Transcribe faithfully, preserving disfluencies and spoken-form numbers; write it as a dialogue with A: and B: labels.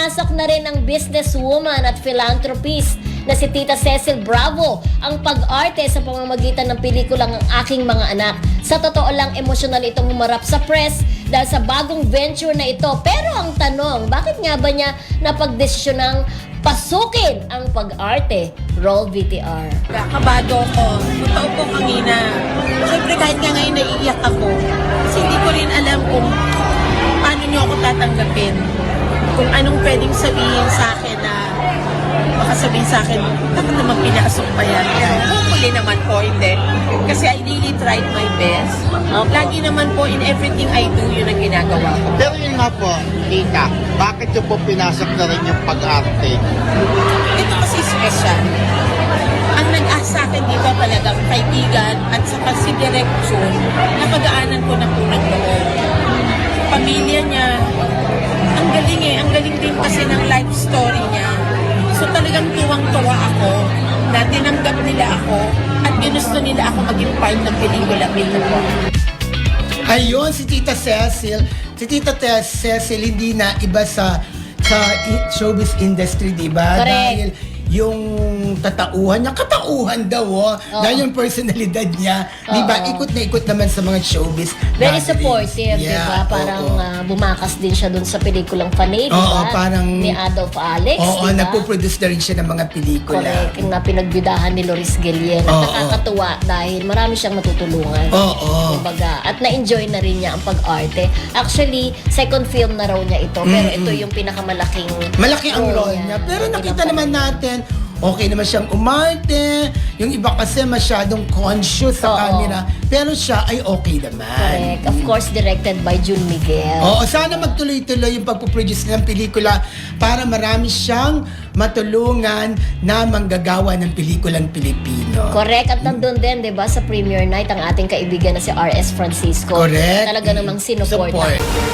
A: Ipinasok na rin ng businesswoman at philanthropist na si Tita Cecil Bravo ang pag-arte sa pamamagitan ng pelikulang Ang Aking Mga Anak. Sa totoo lang, emosyonal itong humarap sa press dahil sa bagong venture na ito. Pero ang tanong, bakit nga ba niya napagdesisyonang pasukin ang pag-arte? Roll V T R.
B: Kabado ko. Totoo po kanina. Siyempre kahit nga ngayon naiiyak ako, kasi hindi ko rin alam kung paano niyo ako tatanggapin. Kung anong pwedeng sabihin sa akin na baka sabihin sa akin, bakit naman pinasok pa yan? Hopefully naman po, hindi. Kasi I really tried my best. Lagi naman po in everything I do, yun ang ginagawa ko.
C: Pero yun nga po, Tita, bakit yung po pinasok na rin yung pag-arte?
B: Ito kasi special. Ang nag-ask sa akin dito talagang kaibigan at saka si Direk Jun, napag-aanan ko na po ng loob. Pamilya niya, ang galing eh, ang galing din kasi ng life story niya. So talagang tuwang-tuwa ako na tinanggap nila ako at ginusto nila ako maging part ng pelikula ito po.
D: Ayun, si Tita Cecil. Si Tita Te- Cecil hindi na iba sa sa i- showbiz industry, di ba?
A: Correct.
D: Dahil yung tatauhan niya, katauhan daw, oh. Dahil yung personalidad niya, di ba?
A: Oo.
D: Ikot na ikot naman sa mga showbiz.
A: Very
D: gatherings.
A: supportive, di ba?
D: Yeah,
A: Parang
D: oo.
A: ah, bumakas din siya dun sa pelikulang Fanay, di
D: Oo,
A: ba?
D: parang-
A: Ni Adolf Alex,
D: Oo,
A: di ba?
D: nagpo-produce na rin siya ng mga pelikula.
A: Correct, yung na pinagbidahan ni Loris Guillen. At
D: Oo.
A: nakakatuwa dahil marami siyang matutulungan.
D: Oo.
A: Kumbaga, at na-enjoy na rin niya ang pag-arte. Actually, second film na raw niya ito, pero ito yung pinakamalaking
D: Malaki ang role niya. Pero nakita naman natin, okay naman siyang umarte. Yung iba kasi masyadong conscious sa
A: Oo.
D: camera. Pero siya ay okay naman.
A: Correct. Of course, directed by Jun Miguel.
D: Oo, sana magtuloy-tuloy yung pagpuproduce ng pelikula para marami siyang matulungan na manggagawa ng pelikulang Pilipino.
A: Correct. At nandun din, di ba, sa premiere night, ang ating kaibigan na si R S Francisco.
D: Correct.
A: Talaga namang sinupport.
D: Support.